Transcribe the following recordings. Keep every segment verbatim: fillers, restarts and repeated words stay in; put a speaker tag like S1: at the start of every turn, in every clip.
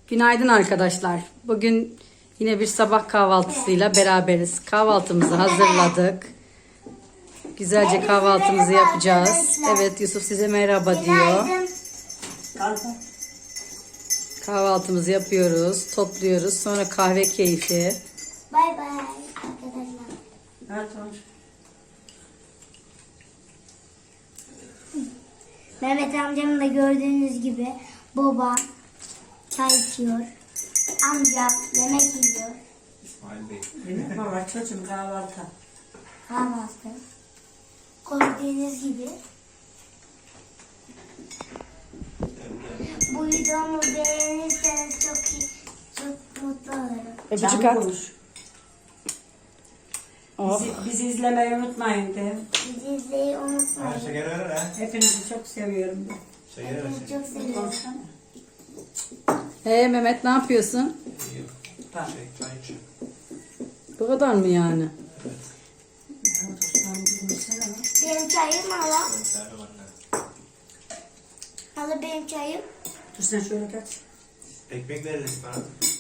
S1: Günaydın arkadaşlar. Bugün yine bir sabah kahvaltısıyla beraberiz. Kahvaltımızı hazırladık. Güzelce kahvaltımızı yapacağız. Evet, Yusuf size merhaba diyor. Kahvaltımızı yapıyoruz, topluyoruz. Sonra kahve keyfi.
S2: Bay bay arkadaşlar.
S3: Evet, olmuş.
S2: Mehmet amcam da gördüğünüz gibi baba çay içiyor. Amca yemek yiyor.
S4: İsmail Bey.
S3: Yemek mi var çocuğum, kahvaltı?
S2: Kahvaltı. Gördüğünüz gibi. Bu videomu beğenirseniz çok iyi, çok mutlu olurum.
S1: Öpücük
S3: Canım
S1: at.
S3: konuş.
S1: Oh.
S3: Bizi, bizi izlemeyi unutmayın de.
S2: Bizi izleyi
S4: Ha,
S2: unutmayın.
S4: şeker ver ha.
S3: Hepinizi çok seviyorum de.
S4: Şeker ver.
S2: Hepinizi çok seviyorum.
S3: Konuşsana.
S1: Hey Mehmet, ne yapıyorsun?
S4: İyi.
S3: Bak.
S4: Şey, çay iç.
S1: Bu kadar mı yani?
S3: Ya, dostlarım, konuşsana lan.
S2: Benim çayım hala.
S4: Serve anne.
S2: Hala benim çayım.
S3: Dur sen şöyle kaç.
S4: Ekmek veririz bana.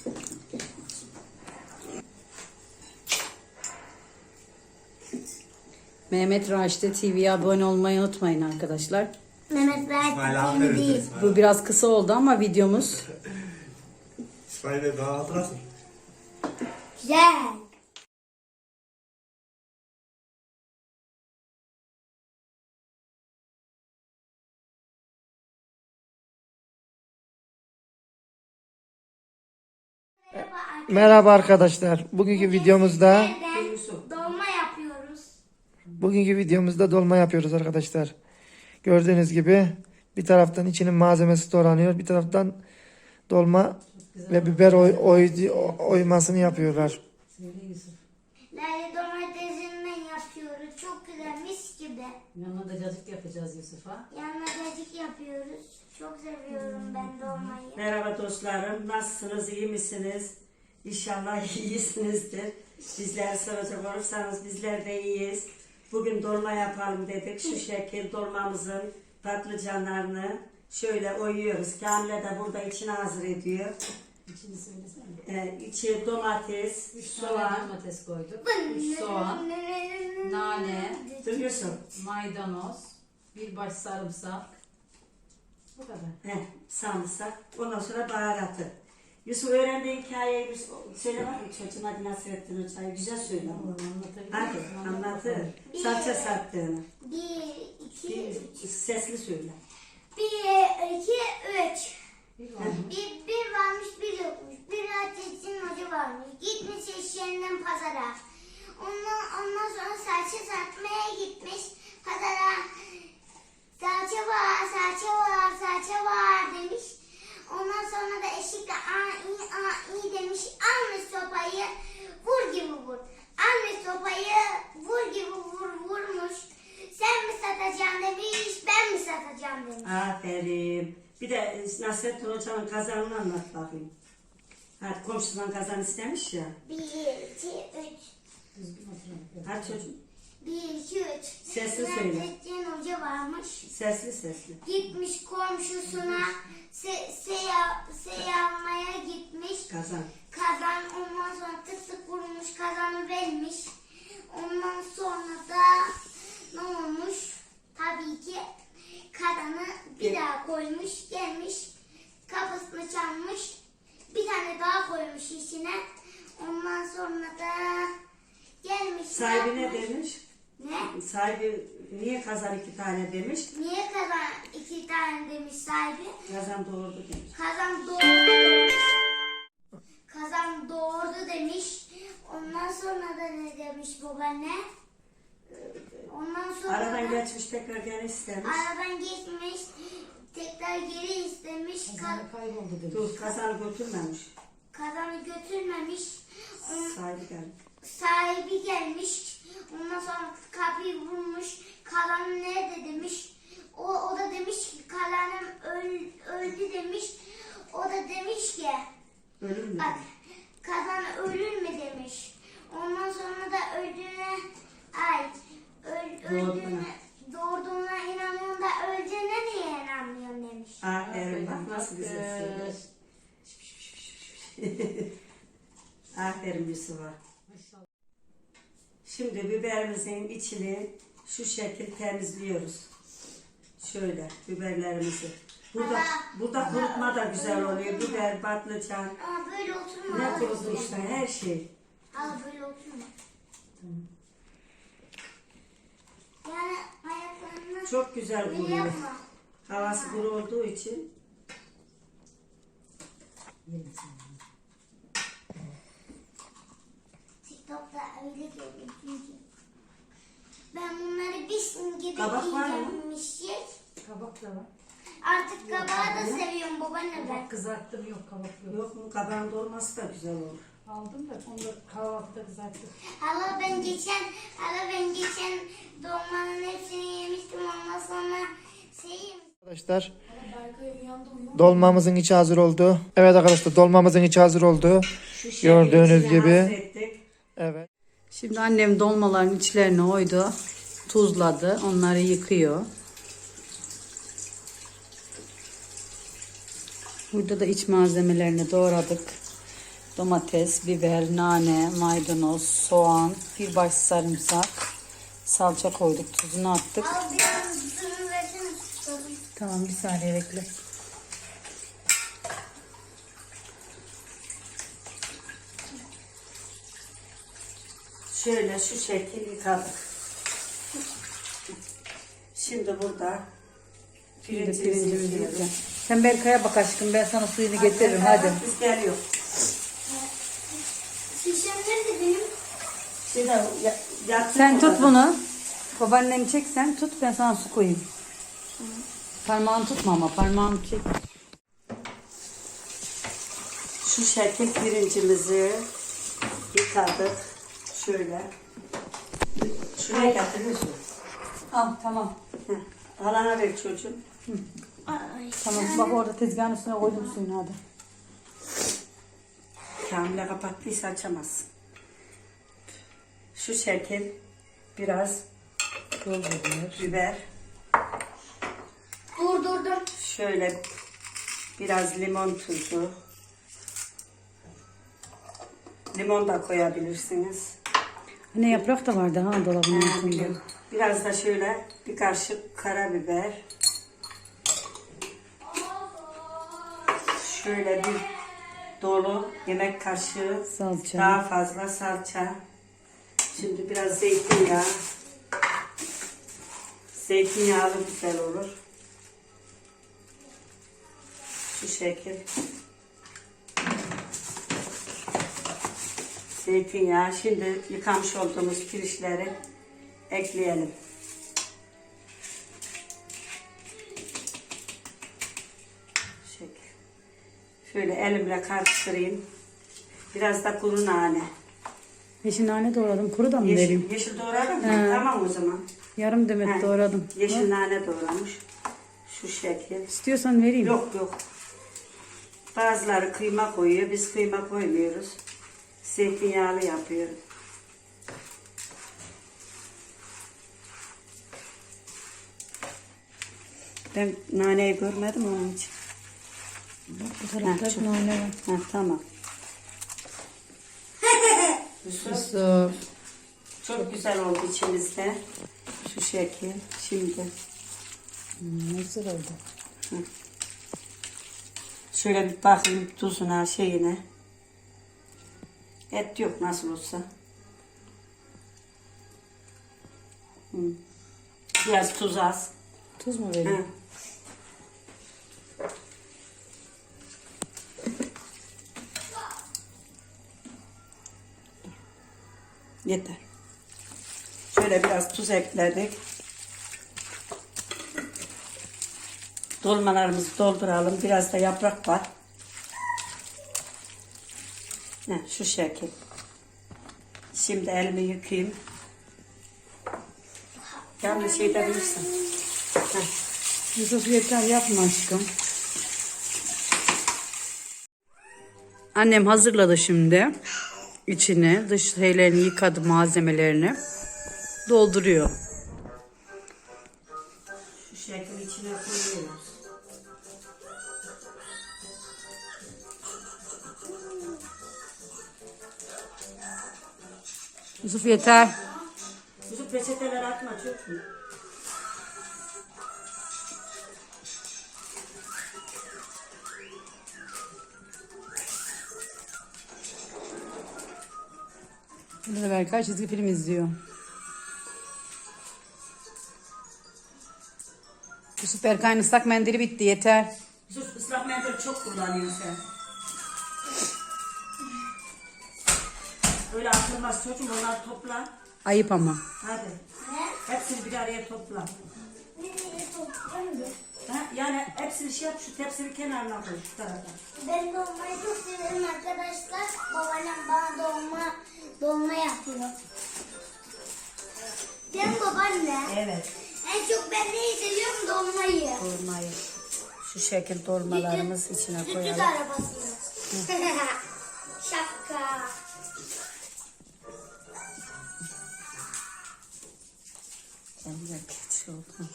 S1: Mehmet Raşit'e T V'ye abone olmayı unutmayın arkadaşlar.
S2: Mehmet
S4: İsmail
S2: Rahat
S4: abi
S2: değil.
S4: veririz.
S2: değil.
S4: İsmail.
S1: Bu biraz kısa oldu ama videomuz.
S4: İsmail Bey daha hatırlasın.
S2: Güzel.
S5: Merhaba arkadaşlar. Bugünkü videomuzda
S2: Nereden
S3: Yusuf.
S2: dolma yapıyoruz.
S5: bugünkü videomuzda dolma yapıyoruz arkadaşlar. Gördüğünüz gibi bir taraftan içinin malzemesi doğranıyor, bir taraftan dolma ve biber oy, oy- oymasını yapıyorlar.
S2: Lale domatesinden yapıyoruz. Çok güzel, mis gibi.
S1: Yanına da cacık yapacağız Yusuf'a.
S2: Yanına cacık yapıyoruz. Çok seviyorum ben dolmayı.
S3: Merhaba dostlarım. Nasılsınız? İyi misiniz? İnşallah iyisinizdir. Bizleri soracak olursanız bizler de iyiyiz. Bugün dolma yapalım dedik. Şu şekil dolmamızın patlıcanlarını şöyle oyuyoruz. Kamile de burada içini hazır ediyor.
S1: İçini söylesene.
S3: Ee, içi domates,
S1: Üç
S3: soğan.
S1: tane domates koyduk. Üç soğan, nane,
S3: Duruyorsun.
S1: maydanoz, bir baş sarımsak. Bu kadar.
S3: Heh, sarımsak. Ondan sonra baharatı. Yusuf öğrendiği hikayeyi bir söyle var mı çocuğun adı Nasrettin Hoca'yı? Güzel söyle. Hadi anlatır. Salça sattığını.
S2: Bir, iki, üç.
S3: Sesli söyle.
S2: Bir, iki, üç.
S1: Bir var.
S2: Bir, bir varmış, bir yokmuş. Bir Hatice'nin hoca varmış. Gitmiş eşeğinden pazara. Ondan, ondan sonra salça satmaya gitmiş pazara. Salça var, salça var, salça var demiş. Ondan sonra da eşek de aa iyi, aa iyi demiş. Almış sopayı, vur gibi vur. Almış sopayı, vur gibi vur, vurmuş. Sen mi satacaksın demiş, ben mi satacağım demiş.
S3: Aferin. Bir de e, Nasrettin Hoca'nın kazanını anlat bakayım. Hadi komşusundan kazan istemiş ya.
S2: Bir, iki, üç.
S3: Hadi çocuğum.
S2: Bir, iki, üç.
S3: Sesli söyle.
S2: Nasrettin Hoca varmış.
S3: Sesli sesli.
S2: Gitmiş komşusuna se, seya, seyalmaya gitmiş.
S3: Kazan.
S2: Kazan ondan sonra tık tık vurmuş, kazanı vermiş. Ondan sonra da ne olmuş? Tabii ki kazanı bir
S3: Evet.
S2: daha koymuş, gelmiş. Kapısını çalmış. Bir tane daha koymuş içine. Ondan sonra da gelmiş.
S3: Sahibi ne
S2: yapmış?
S3: demiş?
S2: Ne?
S3: Sahibi niye kazan iki tane demiş?
S2: Niye kazan iki tane demiş sahibi?
S3: Kazan doğurdu demiş.
S2: Kazan doğurdu demiş. Kazan doğurdu demiş. Ondan sonra da ne demiş babaanne? Ondan sonra
S3: Aradan
S2: da
S3: geçmiş tekrar gene istemiş.
S2: aradan geçmiş. Tekrar geri istemiş. Ka-
S1: Kazanı kayboldu demiş.
S3: Dur kazanı götürmemiş.
S2: kazanı götürmemiş. On-
S3: Sahibi geldi.
S2: sahibi gelmiş. Ondan sonra kapıyı vurmuş. Kalan nerede demiş. O, o da demiş ki kalanım öl, öldü demiş. O da demiş ki
S3: Ölür mü?
S2: bak kazan ölür mü demiş. Ondan sonra da öldüğüne ay öl, öldüğüne doğurduğuna inanıyorsun da öldüğüne niye inanmıyorsun demiş.
S3: Aferin bak nasıl güzel söylüyor. Aferin Yusuf'a. Şimdi biberimizin içini şu şekil temizliyoruz. Şöyle biberlerimizi. Burada burada kurutma da güzel oluyor. Biber, patlıcan,
S2: Ama böyle oturma.
S3: ne kurutmuşsa her şey.
S2: Hala böyle oturma. Yani ayaklarını
S3: Çok güzel
S2: böyle
S3: kuruyor.
S2: yapma.
S3: Havası kuru olduğu için.
S2: TikTok'ta öyle gördüm çünkü. Ben bunları bir simgede
S3: Kabak var mı?
S2: yiyeceğim.
S1: Kabak da var.
S2: Artık kabağı da seviyorum babaanne ben.
S1: Kızarttım yok kabak yok.
S3: Yok mu? Kabağın dolması da güzel olur.
S1: Aldım da onu da kahvaltıda kızarttım.
S2: Hala ben geçen, hala ben geçen dolmanın hepsini yemiştim ondan sonra şey yemiştim.
S5: Arkadaşlar dolmamızın içi hazır oldu. Evet arkadaşlar dolmamızın içi hazır oldu.
S3: Şu şekil
S5: Gördüğünüz
S3: içine
S5: gibi.
S3: hazrettik.
S5: Evet.
S1: Şimdi annem dolmaların içlerini oydu. Tuzladı. Onları yıkıyor. Burada da iç malzemelerini doğradık. Domates, biber, nane, maydanoz, soğan, bir baş sarımsak, salça koyduk. Tuzunu attık.
S2: Al biraz tuzunu versene tutalım.
S1: Tamam bir saniye bekle.
S3: Şöyle şu şekil yıkadık. Şimdi burada
S1: Şimdi
S3: pirincimizi
S1: pirincimizi
S3: yıkıyoruz.
S1: yiyeceğim. Sen Berkay'a bak aşkım, ben sana suyunu getiririm hadi.
S3: Biz geliyor.
S2: Şişem nerede benim?
S3: Şimdi ya, yatsın
S1: Sen tut
S3: orada.
S1: bunu. Babaanneni çek, sen tut, ben sana su koyayım. Parmağını tutma ama parmağını çek.
S3: Şu şekil pirincimizi yıkadık. Şöyle. Şuraya getiriyorsun.
S1: Al tamam.
S3: Heh. Alana ver çocuğum.
S2: Ay.
S1: Tamam bak orada tezgahın üstüne koydum suyunu hadi.
S3: Kamile kapattıysa açamazsın. Şu şekil biraz biber.
S2: Dur dur dur.
S3: Şöyle biraz limon tuzu. Limon da koyabilirsiniz.
S1: Ne yaprak da vardı ha dolabın
S3: Ha,
S1: altında.
S3: biliyorum. Biraz da şöyle bir kaşık karabiber. Şöyle bir dolu yemek kaşığı
S1: Salça.
S3: daha fazla salça. Şimdi biraz zeytinyağı. Zeytinyağlı güzel olur. Şu şekil. Zeytinyağı. Şimdi yıkamış olduğumuz pirinçleri ekleyelim. Şu şekil. Şöyle elimle karıştırayım. Biraz da kuru nane.
S1: Yeşil nane doğradım. Kuru da mı vereyim?
S3: Yeşil, yeşil doğradın mı?
S1: He.
S3: Tamam o zaman.
S1: Yarım demet
S3: He.
S1: doğradım.
S3: Yeşil nane doğramış. Şu şekil.
S1: İstiyorsan vereyim.
S3: Yok yok. Bazıları kıyma koyuyor. Biz kıyma koymuyoruz. Zeytinyağlı yapıyoruz. Ben naneyi görmedim onun için.
S1: Bak bu tarafta
S3: Ha, çok-
S1: nane var.
S3: Ha, tamam. Yusuf,
S1: Yusuf.
S3: çok güzel oldu içimizde. Şu şekil. Şimdi
S1: Hmm, ne güzel oldu.
S3: şöyle bir bakayım tuzuna şeyine. Et yok nasıl olsa. Hı. Biraz tuz az.
S1: Tuz mu
S3: Hı.
S1: vereyim?
S3: Yeter. Şöyle biraz tuz ekledik. Dolmalarımızı dolduralım. Biraz da yaprak var. Heh, şu şekil. Şimdi elimi yıkayayım. Yanlış şey de bilirsin. Heh.
S1: Yusuf yeter yapma aşkım. Annem hazırladı şimdi. İçini, dış şeylerini yıkadı, malzemelerini. Dolduruyor.
S3: Şu şekil içine koyuyoruz.
S1: Yusuf yeter.
S3: Yusuf peçeteleri atma çok mu?
S1: Burada da Berkay çizgi film izliyor. Yusuf Berkay'ın ıslak mendili bitti yeter.
S3: Yusuf ıslak mendil çok kullanıyorsun sen. Öyle atılmaz çocuğum, onları topla.
S1: Ayıp ama.
S3: Hadi.
S2: Ne?
S3: Hepsini bir araya topla.
S2: Nereye toplayayım da?
S3: Ha? Yani hepsini şey yap, şu tepsinin kenarına koy şu tarafa.
S2: Ben dolmayı çok severim arkadaşlar. Babaannem bana dolma dolma yapıyor. Değil mi babaanne?
S3: Evet.
S2: En çok ben neyi seviyorum? Dolmayı.
S1: Dolmayı. Şu şekil dolmalarımız içine
S2: Sütü
S1: koyalım.
S2: arabası. Şapka.
S1: Eller kötü oldu.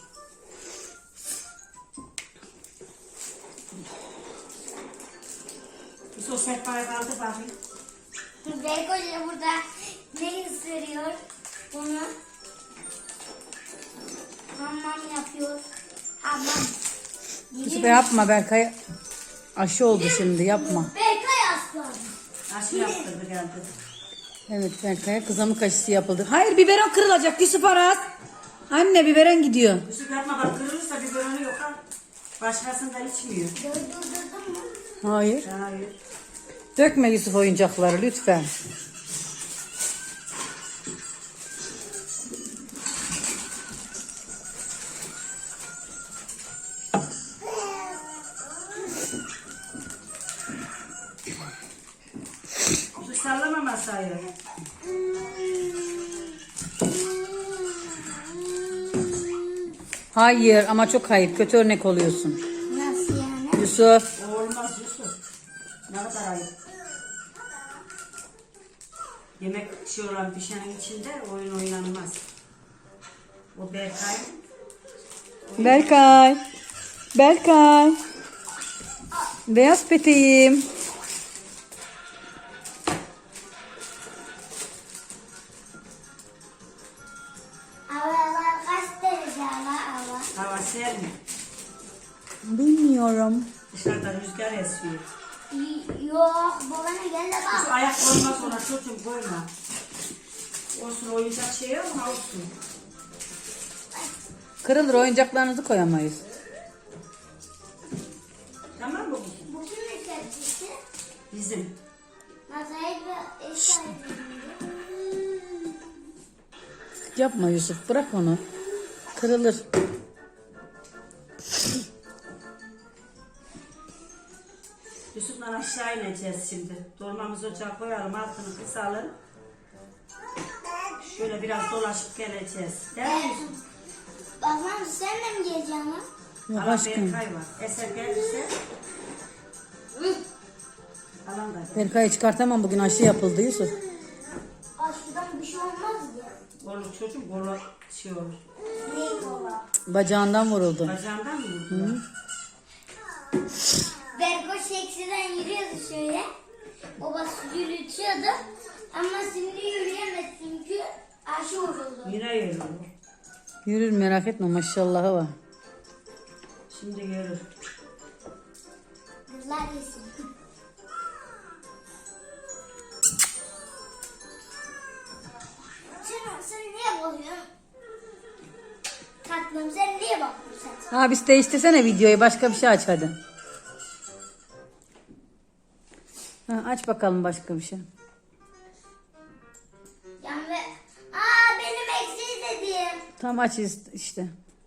S3: Yusuf sehpayı kaldır bakayım.
S2: Beykoş burada ne ısırıyor? Bunu hamam yapıyor. Hamam.
S1: Yusuf yapma Berkay. Aşı oldu şimdi yapma.
S2: Berkay aslan.
S3: Aşı yaptırdı geldi.
S1: Evet Berkay'a kızamık aşısı yapıldı. Hayır biberon kırılacak Yusuf Aras. Anne biberon gidiyor.
S3: Yusuf yapma bak, kırılırsa biberonu yok ha. Başkasından içmiyor.
S2: Durdurdun mu?
S1: Hayır.
S3: Hayır.
S1: Dökme Yusuf oyuncakları lütfen.
S3: Yusuf sallama masayı.
S1: Hayır ama çok ayıp. Kötü örnek oluyorsun.
S2: Nasıl yani?
S1: Yusuf.
S3: O olmaz Yusuf. Ne kadar ayıp. Yemek şey olan pişenin içinde oyun oynanmaz. O Berkay.
S1: Berkay. Berkay. Beyaz peteğim.
S2: Havalar kaç derece hava hava?
S3: Hava ser mi?
S1: Bilmiyorum.
S3: Dışarıda rüzgar esiyor.
S2: Y- Yok babaanne gel de
S3: Yusuf
S2: bak.
S3: ayak koyma sonra çocuğum koyma. Olsun oyuncak şey yok mu olsun.
S1: Kırılır oyuncaklarınızı koyamayız.
S3: Tamam mı bu?
S2: Bu kimin tepsisi?
S3: Bizim.
S2: Masayı ve ev sahibinin.
S1: Yapma Yusuf bırak onu. Kırılır.
S3: Yusuf'la aşağı ineceğiz şimdi. Dolmamızı ocağa koyalım, altını kısalım. Şöyle biraz dolaşıp geleceğiz. Değil mi Yusuf?
S2: Babam sen de mi geleceksin lan?
S1: Yok
S3: Alan
S1: aşkım.
S3: Berkay var. Eser gelirse alan da.
S1: Berkay'ı çıkartamam bugün aşı yapıldı Yusuf.
S2: Aşkıdan bir şey olmaz ya.
S3: Olur çocuğum, kolu şey olur.
S2: Neyi kola?
S1: Bacağından vuruldu.
S3: Bacağından mı vurdular?
S2: Berko seksiden yürüyordu şöyle. Babası yürütüyordu. Ama şimdi yürüyemez çünkü aşı vuruldu.
S3: Yine yürür.
S1: Yürür merak etme maşallahı var.
S3: Şimdi yürür.
S2: Kızlar yesin. Sen, sen niye bakıyorsun? Tatlım sen niye bakıyorsun sen?
S1: Abisi değiştirsene videoyu başka bir şey aç hadi. Ha, aç bakalım başka bir şey.
S2: Yani ve... Aa benim eksiği dediğim.
S1: Tam aç is- işte.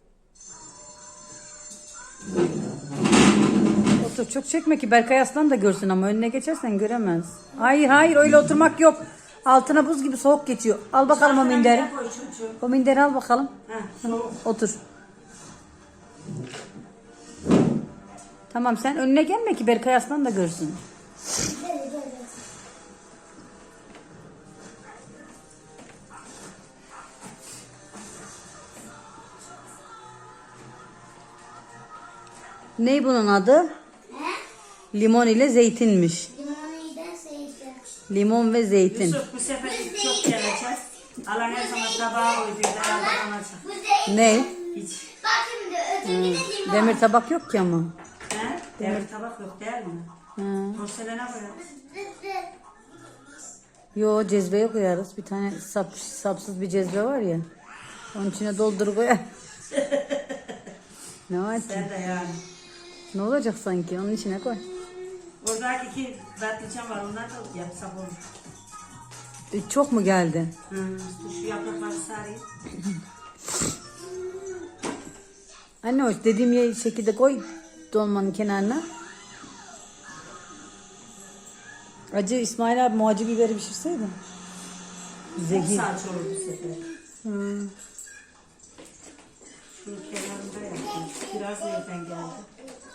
S1: Otur çok çekme ki Berkay Aslan da görsün ama önüne geçersen göremez. Hayır hayır öyle oturmak yok. Altına buz gibi soğuk geçiyor. Al bakalım o minderi.
S3: Koy çocuğum.
S1: O minderi al bakalım.
S3: Heh, soğuk.
S1: Otur. Tamam sen önüne gelme ki Berkay Aslan da görsün.
S2: Gel gel gel.
S1: Ne bunun adı?
S2: He?
S1: Limon ile zeytinmiş.
S2: Limonu iyiden sevdim.
S1: Limon ve zeytin.
S3: Yusuf bu sefer çok geleceğiz. Allah her zaman tabağa koyduğunda herhalde olacak.
S2: Bu zeytin.
S1: Ne?
S3: Hiç.
S2: Bak şimdi öteki de limon.
S1: Demir tabak yok ki ama.
S3: He? Demir tabak yok değil mi?
S1: Hı.
S3: Porselene koyarız.
S1: Yo, cezveye koyarız. Bir tane sap, sapsız bir cezve var ya. Onun içine doldur koyar. Ne var ki?
S3: Sen de yani.
S1: Ne olacak sanki? Onun içine koy.
S3: Oradaki iki patlıcan var, onlar da yapsak olur.
S1: E, çok mu geldi?
S3: Hı. Şu yaprakları sarayım.
S1: Anne o dediğim ye- şekilde koy dolmanın kenarına. Acı İsmail abi muacı biberi pişirseydin. Zehir.
S3: Salça olur bu sefer.
S1: Hmm.
S3: Şunun kenarında yaptım. Biraz nereden geldi?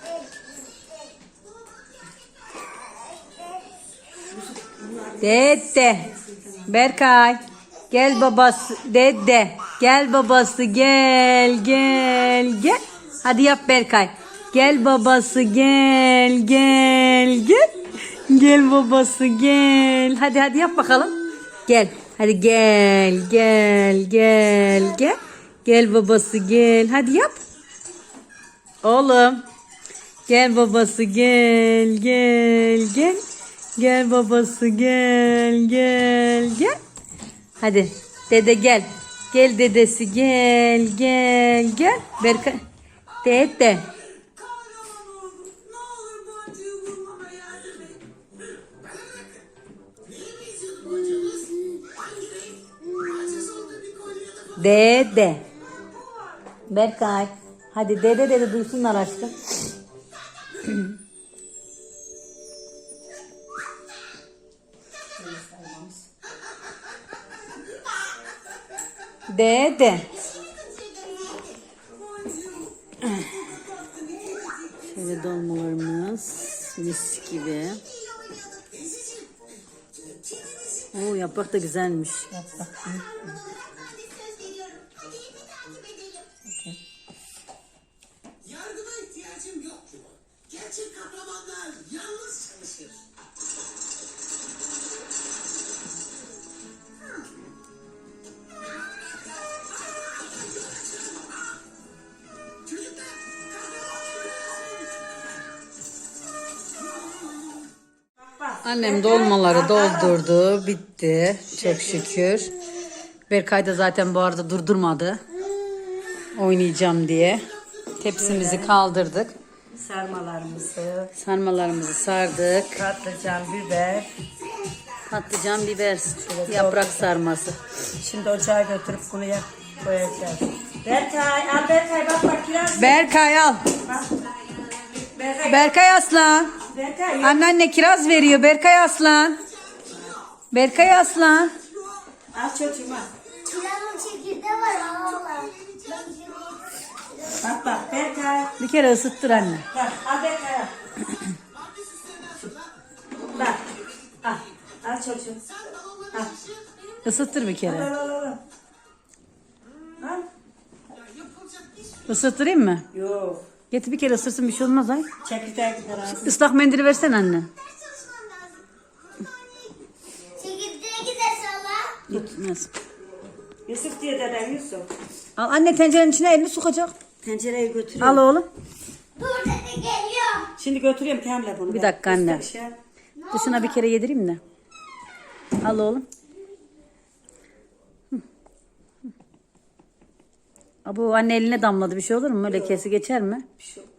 S1: Dede. Berkay. Gel babası. Dede. Gel babası. Gel. Gel. Gel. Hadi yap Berkay. Gel babası. Gel. Gel. Gel. Gel babası. Gel. Hadi hadi yap bakalım. Gel. Hadi gel. Gel. Gel. Gel. Gel babası. Gel. Hadi yap. Oğlum. Gel babası. Gel. Gel. Gel. Gel babası gel gel gel. Hadi dede gel. Gel dedesi gel gel gel. Berkay. Dede. Dede. Berkay. Hadi dede dede duysunlar aşkım. Dede. Şöyle dolmalarımız mis gibi. Oo, yaprak da güzelmiş. Yaprak.
S6: Yardıma ihtiyacım yok ki. Gerçek kahramanlar yalnız çalışır. Çocuklar,
S1: Annem dolmaları doldurdu. Bitti. Çok şükür. Berkay da zaten bu arada durdurmadı. Oynayacağım diye. Tepsimizi kaldırdık.
S3: Sarmalarımızı,
S1: Sarmalarımızı sardık.
S3: patlıcan, biber.
S1: Patlıcan, biber, yaprak sarması.
S3: Şimdi ocağa götürüp bunu yak koyacağız. Berkay, al Berkay bak bak kiraz.
S1: Berkay al.
S3: Bak. Berkay,
S1: Berkay Aslan.
S3: Berkay.
S1: Anneanne kiraz veriyor. Berkay Aslan. Berkay Aslan.
S3: Al çocuğum al.
S2: Kirazın çekirdeği var Allah.
S3: Bak bak Berkay.
S1: Bir kere ısıttır anne.
S3: Bak al Berkay al. Bak. Al. Al çocuğum. Al.
S1: Isıttır bir
S3: Al
S1: kere.
S3: al al. al. Al.
S1: Isıttırayım mı?
S3: Yok.
S1: Getir bir kere ısırsın, bir şey olmaz ay.
S3: Çekirdeği gider ağzına.
S1: Islak mendili versen anne.
S2: Çekirdeğe giderse Allah.
S1: Gitmez.
S3: Yusuf diye deden Yusuf.
S1: Al anne, tencerenin içine elini sokacak.
S3: Tencereyi götürüyorum.
S1: Al oğlum.
S2: Dur dede geliyor.
S3: Şimdi götürüyorum Kamil'e bunu.
S1: Bir
S3: ben.
S1: dakika anne.
S3: Üstüne şey-
S1: Dışına bir kere yedireyim de. Al oğlum. Hı. Hı. Bu anne eline damladı, bir şey olur mu? Öyle kesi geçer mi?
S3: Bir şey olmaz.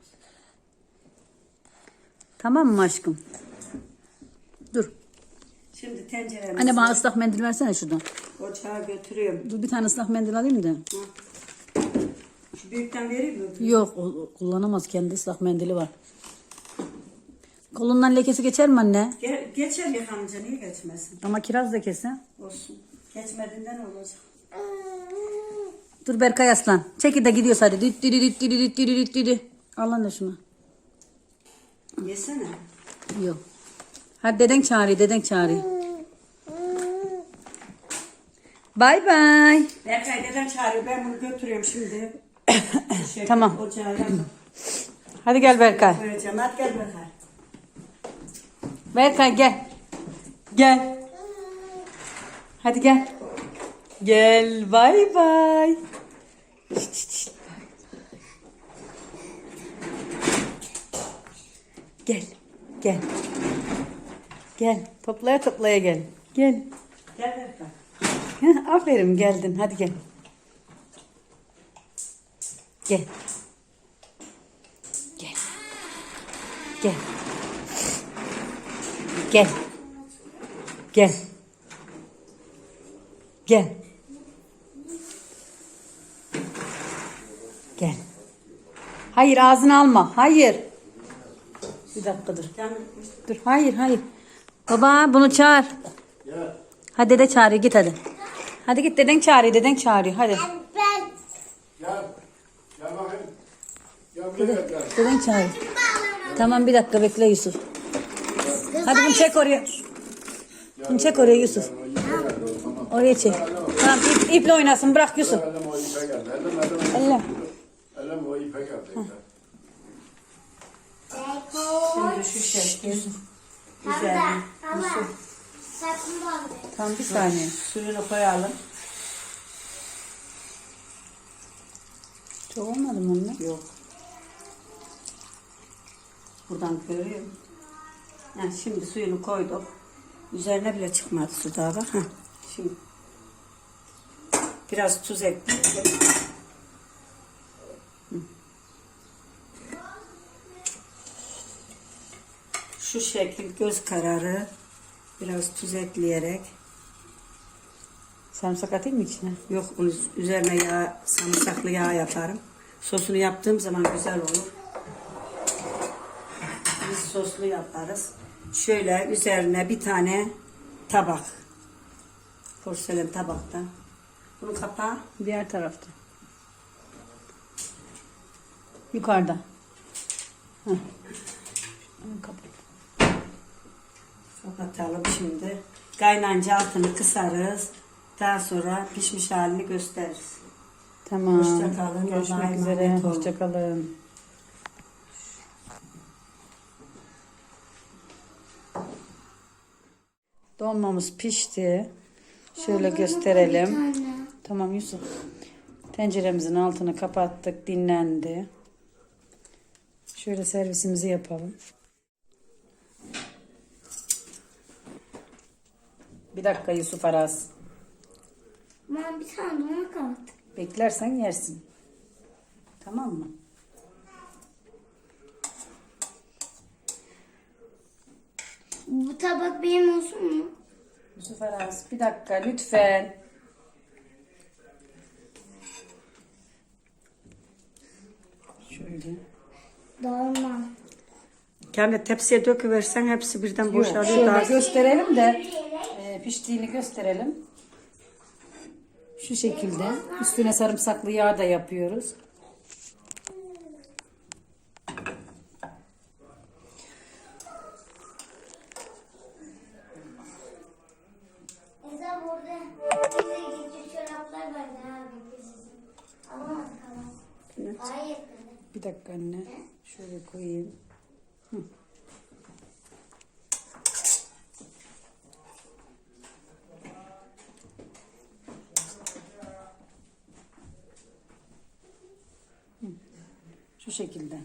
S1: Tamam mı aşkım? Dur.
S3: Şimdi tenceremizi
S1: Anne bana ıslak mendil versene şuradan.
S3: ocağa götürüyorum.
S1: Dur bir tane ıslak mendil alayım da.
S3: Şu büyükten vereyim mi?
S1: Yok, o, o kullanamaz, kendi ıslak mendili var. Kolundan lekesi geçer mi anne?
S3: Ge geçer yıkanınca niye geçmesin?
S1: Ama kiraz lekesi.
S3: Olsun. Geçmediğinden olacak.
S1: Dur Berkay Aslan. Çekil de gidiyoruz hadi. Düt düdü düt düdü düt düdü düt düdü. Al anne şunu.
S3: Yesene.
S1: Yok. Hadi deden çağırıyor, deden çağırıyor. Bay bay.
S3: Berkay deden çağırıyor. Ben bunu götürüyorum şimdi. Şey,
S1: Tamam.
S3: Ocağa yakın
S1: Hadi gel Berkay.
S3: koyacağım. Hadi gel Berkay.
S1: Berkay gel. Gel. Hadi gel. Gel bay bay. Şşt, şşt, şşt. Gel. Gel. Gel. Toplaya toplaya gel. Gel.
S3: Gel Berkay.
S1: Heh, aferin geldin. Hadi gel. Gel. Gel. Gel. Gel. Gel. Gel. Gel. Hayır ağzını alma. Hayır. Bir dakika dur.
S3: Gel.
S1: Dur. Hayır hayır. Baba bunu çağır. Hadi dede çağırıyor git hadi. Hadi git deden çağırıyor deden çağırıyor hadi.
S2: Ben
S6: Gel. Gel bakayım. Gel buraya gel.
S1: Deden çağırıyor. Tamam bir dakika bekle Yusuf. Hadi bunu çek oraya. Bunu çek oraya Yusuf. Oraya çek. Tamam ip, iple oynasın bırak Yusuf.
S6: Elim o ipe geldi. Elim elim.
S1: Elle.
S6: Elim o ipe geldi.
S3: Şimdi şu şekil.
S2: Hamza,
S3: Güzel.
S2: Hamza. Sakın bozma.
S1: Tamam bir saniye.
S3: Suyunu koyalım.
S1: Çok olmadı mı onunla?
S3: Yok. Buradan görüyorum. Yani şimdi suyunu koyduk. Üzerine bile çıkmadı su daha bak. Heh. Şimdi biraz tuz ekleyelim. Hı. Şu şekil göz kararı biraz tuz ekleyerek.
S1: Sarımsak atayım mı içine?
S3: Yok onun üzerine yağ, sarımsaklı yağ yaparım. Sosunu yaptığım zaman güzel olur. Biz soslu yaparız. Şöyle üzerine bir tane tabak. Porselen tabakta. Bunun kapağı
S1: Diğer tarafta. Yukarıda. Heh. Kapat.
S3: kapatalım şimdi. Kaynanca altını kısarız. Daha sonra pişmiş halini gösteririz.
S1: Tamam.
S3: Hoşça kalın.
S1: Görüşmek
S3: Allah'a
S1: üzere.
S3: emanet olun.
S1: Hoşça kalın. Dolmamız pişti. Şöyle gösterelim. Tamam Yusuf. Tenceremizin altını kapattık. Dinlendi. Şöyle servisimizi yapalım. Bir dakika Yusuf Aras.
S2: Ben bir tane dolma kaldı.
S1: Beklersen yersin. Tamam mı?
S2: Bu tabak benim olsun mu?
S1: Yusuf Aras bir dakika lütfen. Şöyle.
S2: Dolma.
S3: Kendi tepsiye döküversen hepsi birden boşalıyor.
S1: Şöyle
S3: Daha
S1: gösterelim de e, piştiğini gösterelim. Şu şekilde. Üstüne sarımsaklı yağ da yapıyoruz.
S2: Mesela burada bize gitti çoraplar vardı abi. Alamadık ama. Hayır.
S1: Bir dakika anne. Şöyle koyayım. Hı. Hı. Şu şekilde.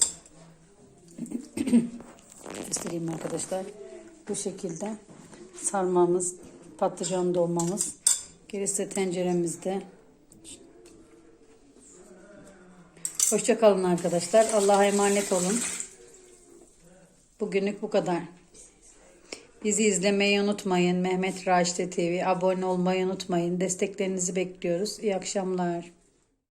S1: Göstereyim arkadaşlar. Bu şekilde sarmamız, patlıcan dolmamız. Gerisi tenceremizde. Hoşça kalın arkadaşlar. Allah'a emanet olun. Bugünlük bu kadar. Bizi izlemeyi unutmayın. Mehmet Raşit T V. Abone olmayı unutmayın. Desteklerinizi bekliyoruz. İyi akşamlar.